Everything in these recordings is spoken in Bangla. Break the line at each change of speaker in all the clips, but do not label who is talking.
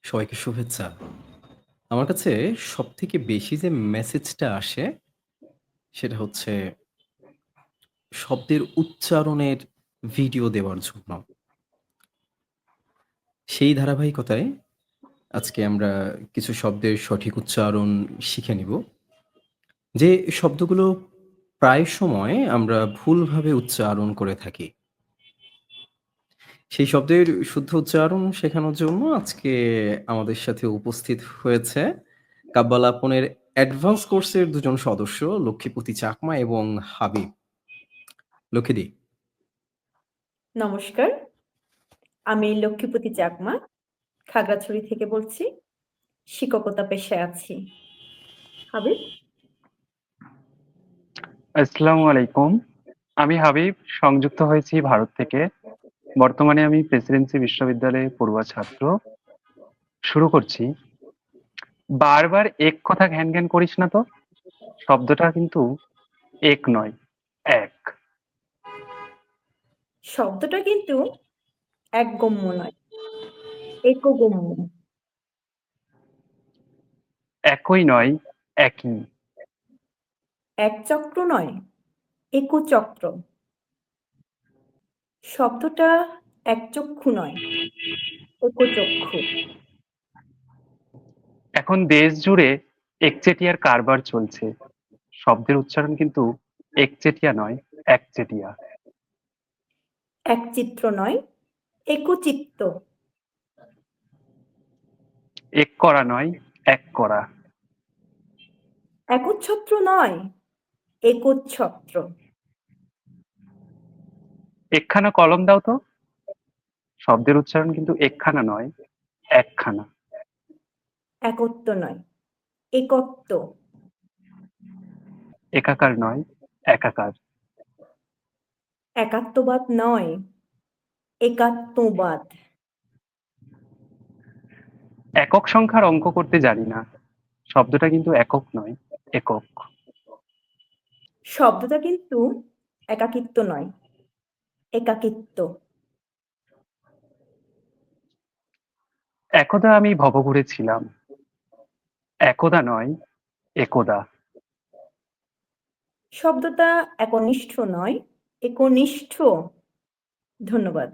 সবাইকে শুভেচ্ছা। আমার কাছে সবথেকে বেশি যে মেসেজটা আসে, সেটা হচ্ছে শব্দের উচ্চারণের ভিডিও দেওয়ার জন্য। সেই ধারাবাহিকতায় আজকে আমরা কিছু শব্দের সঠিক উচ্চারণ শিখে নিব। যে শব্দগুলো প্রায় সময় আমরা ভুলভাবে উচ্চারণ করে থাকি। সেই শব্দের শুদ্ধ উচ্চারণ শেখানোর জন্য আজকে আমাদের সাথে উপস্থিত হয়েছে কাব্বালাপনের অ্যাডভান্স কোর্সের ২ জন সদস্য লক্ষ্মীপতি চাকমা এবং হাবিব। লক্ষ্মীদি,
নমস্কার, আমি লক্ষ্মীপতি চাকমা খাগড়াছড়ি থেকে বলছি। শিক্ষকতা পেশায় আছি। হাবিব?
আসসালামু আলাইকুম। আমি হাবিব, সংযুক্ত হয়েছি ভারত থেকে। বর্তমানে আমি প্রেসিডেন্সি বিশ্ববিদ্যালয়ে পড়ুয়া ছাত্র। শুরু করছি। বারবার এক কথা ঘ্যান ঘ্যান করিস না তো। শব্দটা কিন্তু এক নয়, এক।
শব্দটা কিন্তু একগম্য নয়, একগম্য।
একই নয়, একই।
একচক্র নয়, একচক্র। শব্দটা একচক্ষু নয়, একচক্ষু।
এখন দেশ জুড়ে একচেটিয়ার কারবার চলছে। শব্দের উচ্চারণ কিন্তু একচেটিয়া নয়, একচেটিয়া।
একচিত্র নয়, একচিত্ত।
এক করা নয়, এক করা।
একচ্ছত্র নয়, একচ্ছত্র।
একখানা কলম দাও তো। শব্দের উচ্চারণ কিন্তু একখানা নয়, একখানা।
একত্ব নয়, একত্ব।
একাকার নয়, একাকার।
একাত্মবাদ নয়, একাত্মবাদ।
একক সংখ্যার অঙ্ক করতে জানি না। শব্দটা কিন্তু একক নয়, একক।
শব্দটা কিন্তু একাকিত্ব নয়, একাকিত্ব।
একদা আমি ভবঘুরে ছিলাম। একদা নয়, একদা।
শব্দটা একনিষ্ঠ নয়, একনিষ্ঠ। ধন্যবাদ।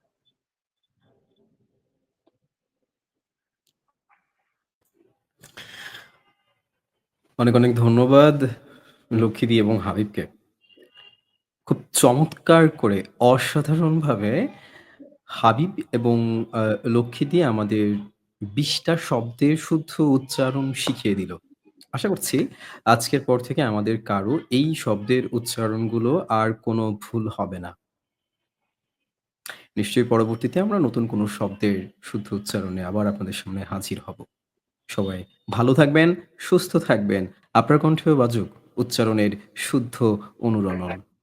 অনেক, অনেক ধন্যবাদ লক্ষ্মীদি এবং হাবিবকে। খুব চমৎকার করে অসাধারণভাবে হাবিব এবং লক্ষ্মীদি আমাদের ২০ টা শব্দের শুদ্ধ উচ্চারণ শিখিয়ে দিল। আশা করছি আজকের পর থেকে আমাদের কারো এই শব্দের উচ্চারণগুলো আর কোনো ভুল হবে না। নিশ্চয়ই পরবর্তীতে আমরা নতুন কোনো শব্দের শুদ্ধ উচ্চারণে আবার আপনাদের সামনে হাজির হব। সবাই ভালো থাকবেন, সুস্থ থাকবেন। আপনার কণ্ঠেও বাজুক উচ্চারণের শুদ্ধ অনুরণন।